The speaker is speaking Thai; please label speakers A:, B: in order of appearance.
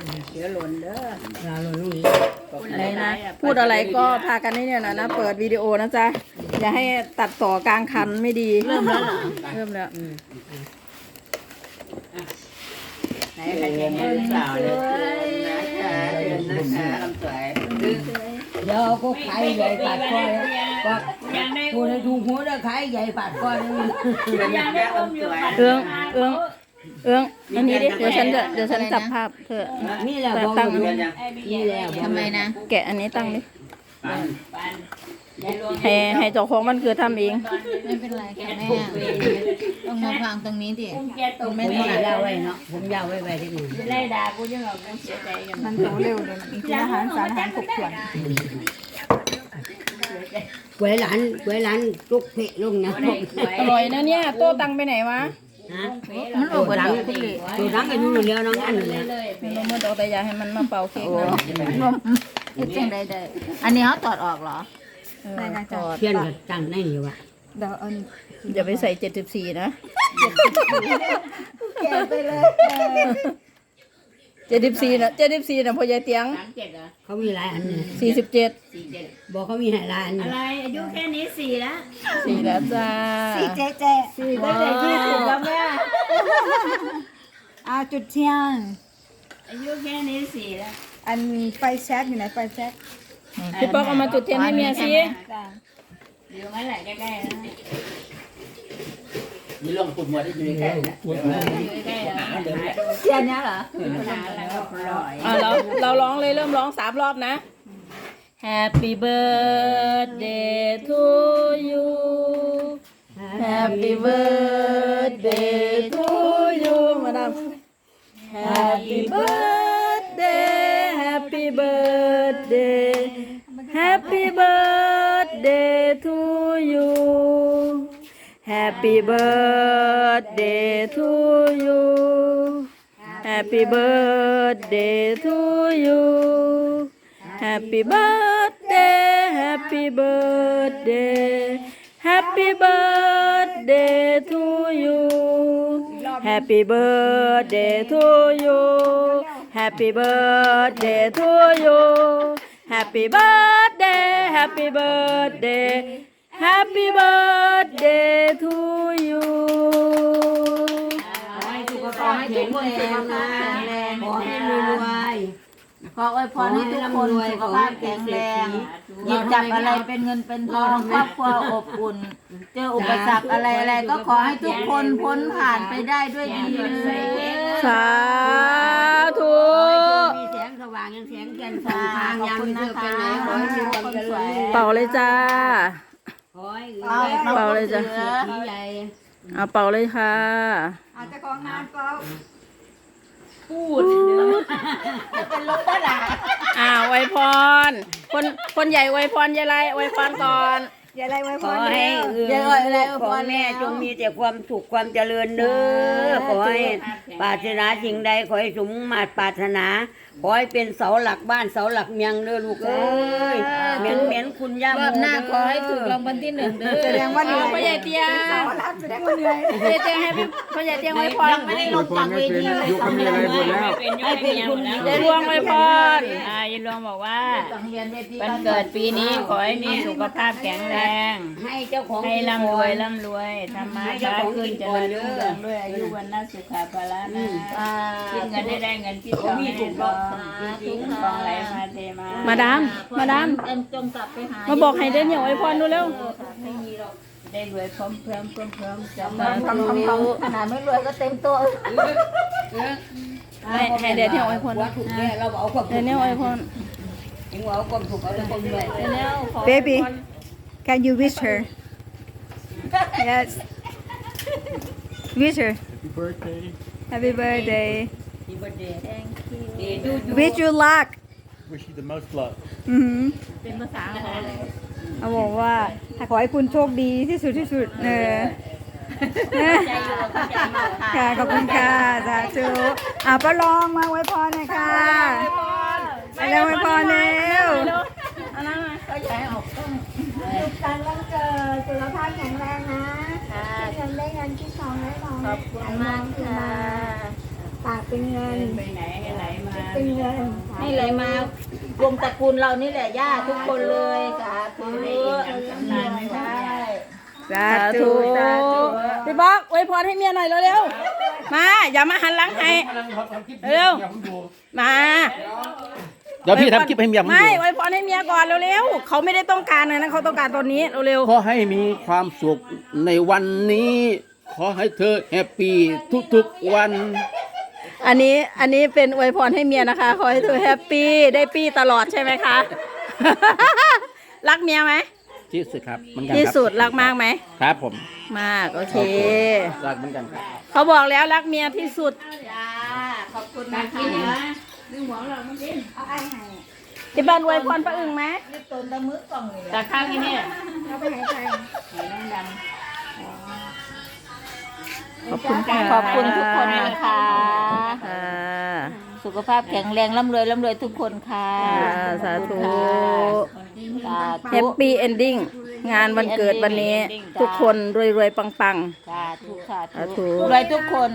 A: เดี๋ยวหล่นเด้อ
B: เราลงนี้
C: อะไรนะพูดอะไรก็พากันนี่เนี่ยนะเปิดวิดีโอนะจ๊ะอย่าให้ตัดต่อกลางคันไม่ดีเริ่มแล้วเริ่มแล้ว
A: ไหนใครจะเห็นสาวเลยนะคะเดินนะคะลำสวย
B: เดี๋ยวก็ขายใหญ่ปาดก้อยก็กูได้ดูหัวได้ขายใหญ่ปาดก้อยนี่
A: เดินนะคะลำสวย
C: เอื้องอันนี้ดิเดี๋ยวฉันจับภาพเธอ
B: นี่แหละบอก
C: ตั้ง
B: นี่แหละ
D: ทำไมนะ
C: แกะอันนี้ตั้งดิให้เจ้าของมันคือทำเอง
D: ไม่เป็นไรค่ะแม่ต้องมาฟังตรงนี้ดิ
B: ผมไม่ยาวไว้เนาะผมยาวไว้ไว้ที่นี่
A: ไล่ด่ากูยังหรอกกูเสียใจกัน
C: มันโตเร็วเลยมีกินอาหารสารอาหารครบถ้วน
B: กวยหลานลุกเพะลงนะ
C: อร่อยนะเนี่ยโต้ตังไปไหนวะ
B: ฮะ
D: มันออกมา
B: ดัง
D: ดูคุณเลย
B: ตัวดังกันนู่นเดียวน้องอันนี้
C: ไม่รู้เมื่อตัวแต่อยากให้มันมาเป่าเค้กนะ
D: เฮ็ดจังได้อันนี้เขาตอดออกเหรอ
C: ถอด
B: เพี้ยนกับจังได้อยู่ว่ะ
C: อย่าไปใส่74นะ74นะพ่อใหญ่เตียง
A: 37เหรอ
B: เขามีหลายอันนี่
C: 47
B: บอกเขามีหลายอัน
A: อะไรอายุแค่นี้4แล้ว
C: 4แล้วจ้า
D: 4ตั้งแต่20แล้วแม่จุดเทียน
A: อายุแค่นี้4แล้ว
D: อันไฟแช็กอยู่ไหนไฟแช็ก
C: พี่ป๊อกเอามาจุดเทียนให้เมียสิ
A: อยู่งั้นแหละใกล้ๆนะนี่ลงปุ่มหมดได้อยู่ใกล้ๆนะใกล้ๆนะเดี๋ยว
D: เทียนเนี้ยเหรอ
A: หาแล้วก็ปล่อย
C: เราร้องเลยเริ่มร้อง3 รอบนะ Happy birthday to you Happy birthday to you มาดาม Happy birthday Happy birthday Happy birthday to you Happy birthday to you Happy birthday to you Happy birthday Happy birthday Happy birthday to you Happy birthday to you Happy birthday to you Happy birthday Happy birthday Happy birthday to you
B: ขอให้ทุกคนสุขภาพแข็งแรงขอให้รวย
D: ขออวยพรให้ทุกคนสุขภาพแข็งแรงหยิบจับอะไรเป็นเงินเป็นทองครอบครัวอบอุ่น เจออุปสรรคอะไรก็ขอให้ทุกคนพ้นผ่านไปได้ด้วยดีเลย
C: สาธุ
B: มีแสงสว่างยังแสงแก่นสองทางยังไม่เจอไปไหนขอให้มีความเจริญ
C: เป่าเลยจ้า
B: ขอให้
C: เป่าเลยจ้ะ
B: มีใหญ่
C: เอาเป่าเลยค่ะ
D: อาจจะของงานเปล่า
C: ไวยพรคนใหญ่ไวยพรยายไรไวยพรก่อน
D: อย่าอะไรไว้พ
B: ข
D: ร
B: อให้
D: อย่าอะไร
B: ขอแม่จงมีแต่ความสุขความเจริญเด้อขอให้ปรารถนาสิ่งใดขอให้สมมาตรปรารถนาขอให้เป็นเสาหลักบ้านเสาหลักเมียงเด้อลูกเอ้ยเหม็นคุณย่าร
D: อบหน้าขอให้ถูกรางวัลที่1เด้อแสดงว่า
C: พ่อใหญ่เตียงพ่อใหญ่เตียงให้พ่อใหญ่เตียงไวยพร
D: ไม่ได้ลงจากเวทีเลย
E: ยุคมีอะไรหมดแล้ว
A: ให้เป็นคุณ
C: ยายรวงไวยพร
A: ยายรวงบอกว่า
D: เรียนเวที
A: วันเกิดปีนี้ขอให้มีสุขภาพแข็งแรง
B: ให้เจ้าของ
A: ให้ร่ำรวยทำมาค้าขึ้นเจริญรุ่งเรืองด้วยอายุวันน่าสุขภาละนะคิดเงินได้เงินคิดทองให้ได้ทองจริงๆทองไหลมาเทมา
C: มาดาม
D: จงกลับไปหา
C: มาบอกให้เดินอย่างไวยพรดูเร็ว
A: ได้รวยพร้อมจำ
D: ขนาดไม่รวยก็เต็มตัว
C: ให้เดินอย่างไวยพร
B: ถูกแน่เราเอาความ
C: เดินอย่างไวยพร
B: ถึงเอาความถูกเอาแต่ความรวย
D: Baby can you wish her yes wish her
E: Happy birthday.
D: happy birthday
B: ที่บัดเดย์
D: wish you luck
E: Wish you the most luck.
C: เป็นภาษาอะไร
D: เขาบอกว่าขอให้คุณโชคดีที่สุดค่ะขอบคุณค่ะสาธุป้าลองมาไว้พรหน่อยค่ะไปแล้วไว้พรเร็ว
C: อันนั้นไง
D: สุขสันต์วันเกิดสุขภาพแข็งแรงนะเงินได้เงินที่ทองได้ทอง
C: ขอบคุณมากค่ะ
F: ปากเป็นเงิน
A: ไปไหนให้ไหลมา
F: เป็นเงิน
D: ให้ไหลมารวมตระกูลเรานี่แหละย่าทุกคนเลยสาธุ
A: นานไม่หมด
D: ใช่
C: สาธุพี่บอกอวยพรให้เมียหน่อยเร็วๆมาอย่ามาหันหลังให้เร็วมา
E: เดี๋ยวพี่ทำคลิปให้เมียผม
C: ไม่
E: ดู
C: อวยพรให้เมียก่อนเร็วๆเขาไม่ได้ต้องการนะเขาต้องการตอนนี้เร็ว
E: ขอให้มีความสุขในวันนี้ ขอให้เธอแฮปปี้ทุกๆวัน
C: ๆอันนี้เป็นอวยพรให้เมียนะคะขอให้เธอแฮปปี้ได้ปี้ตลอดใช่ไหมคะ รักเมียไหม
E: ที่สุดครับเหมือนกัน
C: ที่
E: ครับ
C: สุดรักมากไหม
E: ครับผม
C: มากโอเค
E: รักเหมือนกันครับ
C: เขาบอกแล้วรักเมียที่สุด
D: จ้าขอบคุณ
A: มา
D: นะ
A: กินเหร
D: คะ
A: อนึ่งหัวเราไม่กิน
F: เอาไอ้ให้
C: ที่บ้านอวยพรป้าอึ่งไหม
D: รีบต้นตะมือกล่องเลย
A: แต่ข้างนี้เนี่ย
F: เอาไปให้ใคร
A: ไหนน้องดำ
C: ขอบคุณค่ะ
D: ขอบคุณทุกคนนะคะ
C: ค่ะ
D: สุขภาพแข็งแรงร่ำรวยทุกคนค่ะ
C: สาธุ
D: สา
C: แฮ
D: ธุ
C: ปปี้เอนดิ้งงานวันเกิดวันนี้ ทุกคนรวยๆปัง
D: สาธุสา
C: สาธุ
D: ธุรวยทุกคน